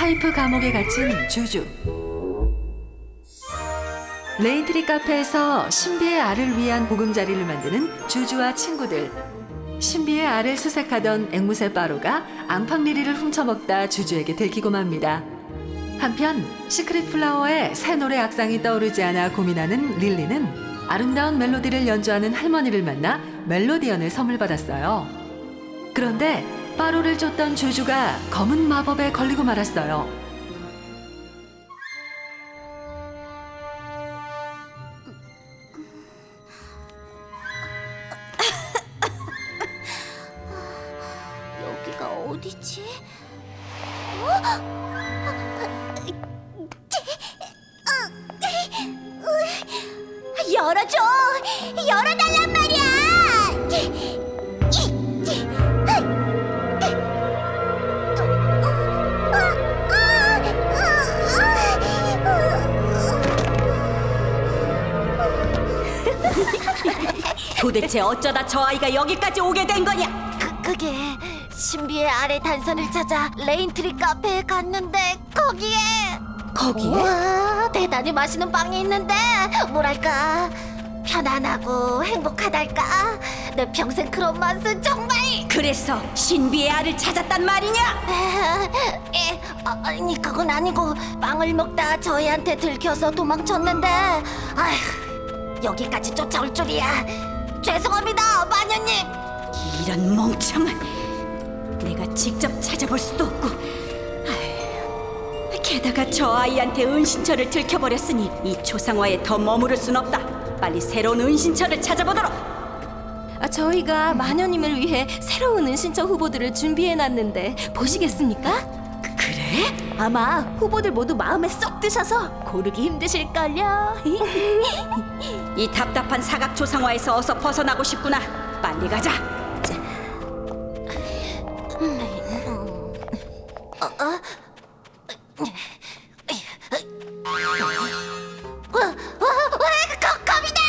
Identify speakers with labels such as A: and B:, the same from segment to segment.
A: 파이프 감옥에 갇힌 주주. 레인트리 카페에서 신비의 알을 위한 보금자리를 만드는 주주와 친구들. 신비의 알을 수색하던 앵무새 빠로가 앙팡리리를 훔쳐먹다 주주에게 들키고 맙니다. 한편 시크릿 플라워의 새 노래 악상이 떠오르지 않아 고민하는 릴리는 아름다운 멜로디를 연주하는 할머니를 만나 멜로디언을 선물 받았어요. 그런데 빠로를 쫓던 주주가 검은 마법에 걸리고 말았어요.
B: 여기가 어디지? 열어줘! 열어달란 말이야!
C: 도대체 어쩌다 저 아이가 여기까지 오게 된 거냐?
B: 그게 신비의 아래 단선을 찾아 레인트리 카페에 갔는데 거기에 우와, 대단히 맛있는 빵이 있는데 뭐랄까 편안하고 행복하달까 내 평생 그런 맛은 정말
C: 그래서 신비의 알을 찾았단 말이냐?
B: 아니 그건 아니고 빵을 먹다 저희한테 들켜서 도망쳤는데 아휴 여기까지 쫓아올 줄이야 죄송합니다 마녀님.
C: 이런 멍청한, 내가 직접 찾아볼 수도 없고 아휴, 게다가 저 아이한테 은신처를 들켜버렸으니 이 초상화에 더 머무를 순 없다. 빨리 새로운 은신처를 찾아보도록.
D: 저희가 마녀님을 위해 새로운 은신처 후보들을 준비해놨는데 보시겠습니까?
C: 그래?
D: 아마 후보들 모두 마음에 쏙 드셔서 고르기 힘드실걸요.
C: 이 답답한 사각 초상화에서 어서 벗어나고 싶구나. 빨리 가자.
B: 겁이다.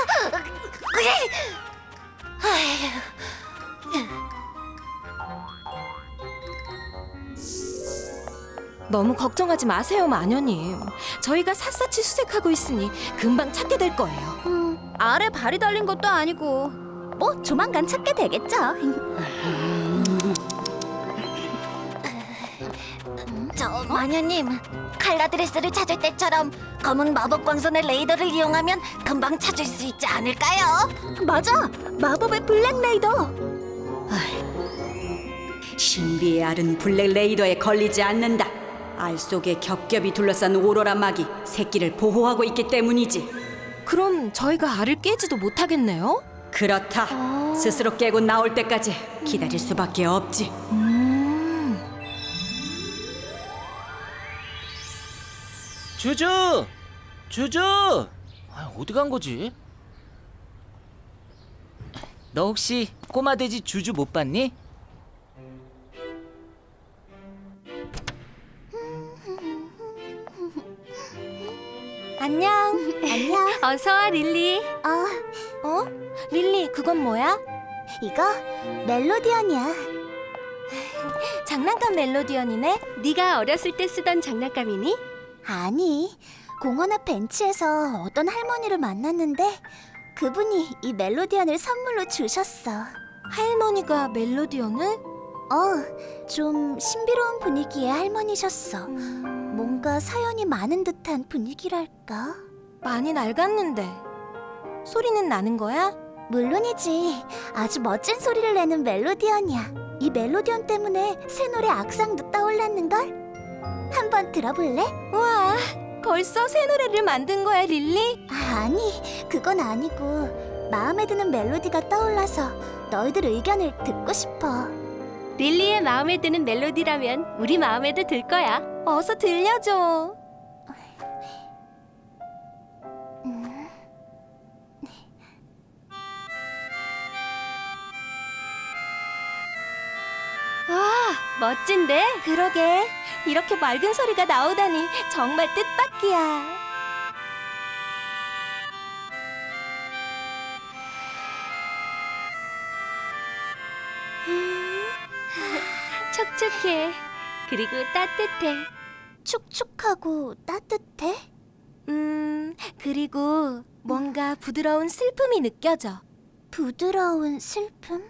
D: 너무 걱정하지 마세요, 마녀님. 저희가 샅샅이 수색하고 있으니 금방 찾게 될 거예요. 아래 발이 달린 것도 아니고 뭐 조만간 찾게 되겠죠.
B: 저 마녀님 칼라드레스를 찾을 때처럼 검은 마법 광선의 레이더를 이용하면 금방 찾을 수 있지 않을까요?
D: 맞아, 마법의 블랙 레이더.
C: 신비의 알은 블랙 레이더에 걸리지 않는다. 알 속에 겹겹이 둘러싼 오로라 막이 새끼를 보호하고 있기 때문이지.
D: 그럼 저희가 알을 깨지도 못하겠네요.
C: 그렇다. 스스로 깨고 나올 때까지 기다릴 수밖에 없지.
E: 주주! 주주! 어디 간 거지? 너 혹시 꼬마 돼지 주주 못 봤니?
D: 안녕. 안녕. 어서 와, 릴리. 릴리, 그건 뭐야?
B: 이거 멜로디언이야.
D: 장난감 멜로디언이네. 네가 어렸을 때 쓰던 장난감이니?
B: 아니, 공원 앞 벤치에서 어떤 할머니를 만났는데 그분이 이 멜로디언을 선물로 주셨어.
D: 할머니가 멜로디언을?
B: 좀 신비로운 분위기의 할머니셨어. 뭔가 사연이 많은 듯한 분위기랄까?
D: 많이 낡았는데 소리는 나는 거야?
B: 물론이지. 아주 멋진 소리를 내는 멜로디언이야. 이 멜로디언 때문에 새 노래 악상도 떠올랐는걸? 한번 들어볼래?
D: 우와, 벌써 새 노래를 만든 거야, 릴리?
B: 아니, 그건 아니고 마음에 드는 멜로디가 떠올라서 너희들 의견을 듣고 싶어.
D: 릴리의 마음에 드는 멜로디라면 우리 마음에도 들 거야. 어서 들려줘. 와, 멋진데? 그러게. 이렇게 맑은 소리가 나오다니 정말 뜻밖이야. 촉촉해. 그리고 따뜻해.
B: 촉촉하고 따뜻해?
D: 그리고 뭔가 부드러운 슬픔이 느껴져.
B: 부드러운 슬픔?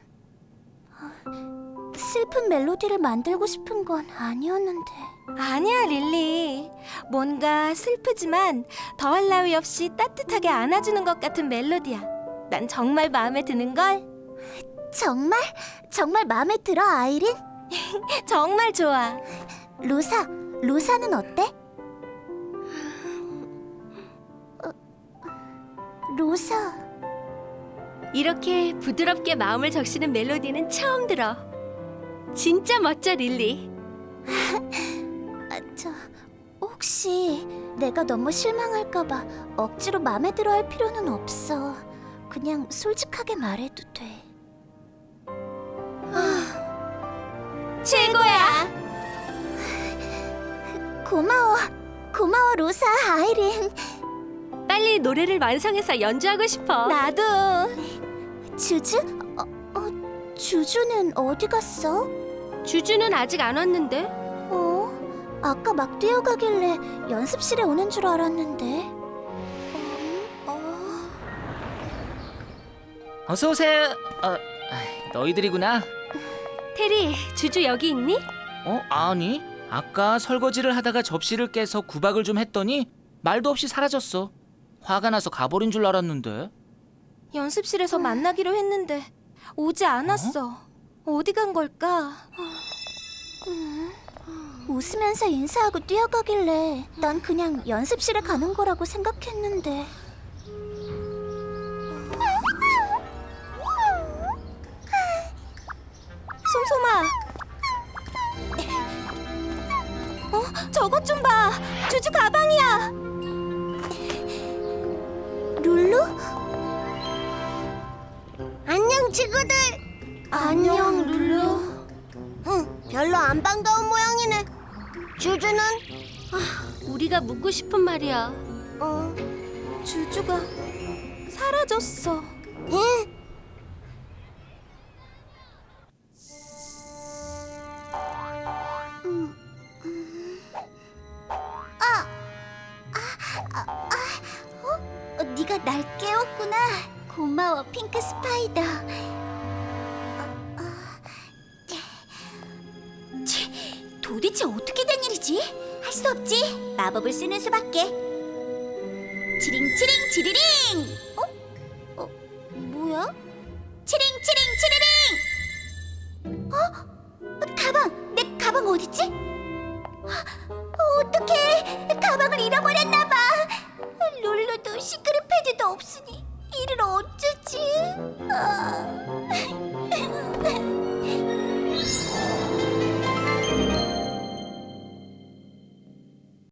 B: 슬픈 멜로디를 만들고 싶은 건 아니었는데.
D: 아니야, 릴리. 뭔가 슬프지만 더할 나위 없이 따뜻하게 안아주는 것 같은 멜로디야. 난 정말 마음에 드는걸?
B: 정말? 정말 마음에 들어, 아이린?
D: 정말 좋아.
B: 로사는 어때? 로사,
D: 이렇게 부드럽게 마음을 적시는 멜로디는 처음 들어. 진짜 멋져, 릴리.
B: 혹시 내가 너무 실망할까봐 억지로 마음에 들어 할 필요는 없어. 그냥 솔직하게 말해도 돼.
D: 최고야.
B: 고마워, 로사, 아이린.
D: 빨리 노래를 완성해서 연주하고 싶어. 나도.
B: 주주? 주주는 어디 갔어?
D: 주주는 아직 안 왔는데.
B: 아까 막 뛰어가길래 연습실에 오는 줄 알았는데.
E: 어서 오세요. 너희들이구나.
D: 테리, 주주 여기 있니?
E: 아니. 아까 설거지를 하다가 접시를 깨서 구박을 좀 했더니 말도 없이 사라졌어. 화가 나서 가버린 줄 알았는데.
D: 연습실에서 만나기로 했는데 오지 않았어. 어디 간 걸까?
B: 웃으면서 인사하고 뛰어가길래 난 그냥 연습실에 가는 거라고 생각했는데.
D: 솜솜아. 저것 좀 봐. 주주 가방이야.
B: 룰루? 안녕, 친구들.
D: 안녕, 룰루.
B: 별로 안 반가운 모양이네. 주주는?
D: 우리가 묻고 싶은 말이야. 주주가 사라졌어.
B: 네가 날 깨웠구나. 고마워, 핑크 스파이더. 도대체 어떻게 된 일이지? 할 수 없지. 마법을 쓰는 수밖에. 치링치링 치리링. 뭐야? 치링치링 치리링. 가방. 내 가방 어딨지? 어떡해. 가방을 잃어버렸나 봐. 룰루도 시크릿 패드도 없으니 이를 어쩌지?